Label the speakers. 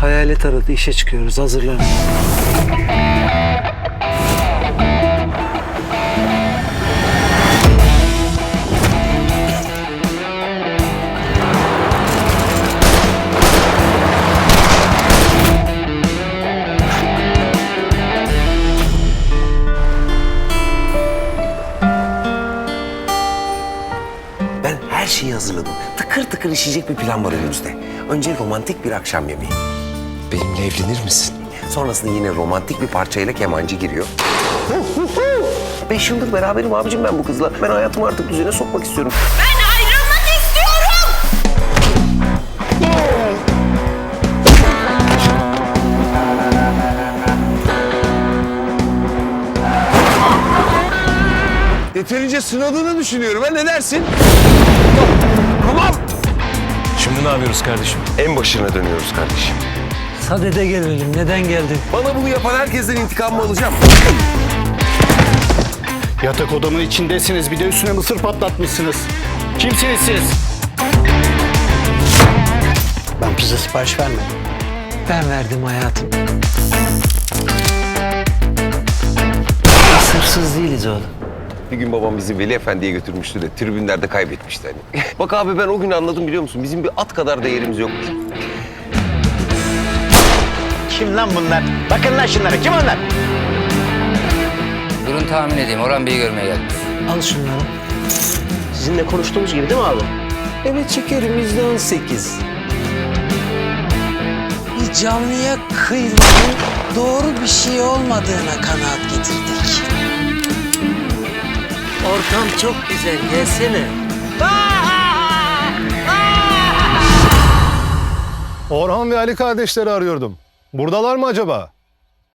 Speaker 1: Hayalet aradı, işe çıkıyoruz. Hazırlanın.
Speaker 2: Ben her şeyi hazırladım. Tıkır tıkır işleyecek bir plan var önümüzde. Önce romantik bir akşam yemeği.
Speaker 3: Benimle evlenir misin?
Speaker 2: Sonrasında yine romantik bir parçayla kemancı giriyor. 5 yıldır beraberim abicim ben bu kızla. Ben hayatımı artık düzene sokmak istiyorum.
Speaker 4: Ben ayrılmak istiyorum.
Speaker 3: Yeterince sınadığını düşünüyorum. Ne dersin?
Speaker 2: Tamam.
Speaker 5: Şimdi ne yapıyoruz kardeşim?
Speaker 2: En başına dönüyoruz kardeşim.
Speaker 1: Sadede gelelim. Neden geldin?
Speaker 2: Bana bunu yapan herkesten intikamımı alacağım.
Speaker 5: Yatak odamın içindesiniz. Bir de üstüne mısır patlatmışsınız. Kimsiniz siz?
Speaker 1: Ben pizza sipariş vermedim. Ben verdim hayatım. Hırsız değiliz oğlum.
Speaker 2: Bir gün babam bizi Veli Efendi'ye götürmüştü de tribünlerde kaybetmişti hani. Bak abi ben o gün anladım biliyor musun? Bizim bir at kadar değerimiz yok.
Speaker 6: Kim lan bunlar? Bakın lan şunlara. Kim onlar?
Speaker 7: Durun tahmin edeyim. Orhan Bey'i görmeye geldim.
Speaker 1: Al şunları.
Speaker 6: Sizinle konuştuğumuz gibi değil mi abi?
Speaker 1: Evet şekerim, %18.
Speaker 8: Bir canlıya kıymanın doğru bir şey olmadığına kanaat getirdik.
Speaker 1: Ortam çok güzel. Gelsene.
Speaker 9: Orhan ve Ali kardeşleri arıyordum. Buradalar mı acaba?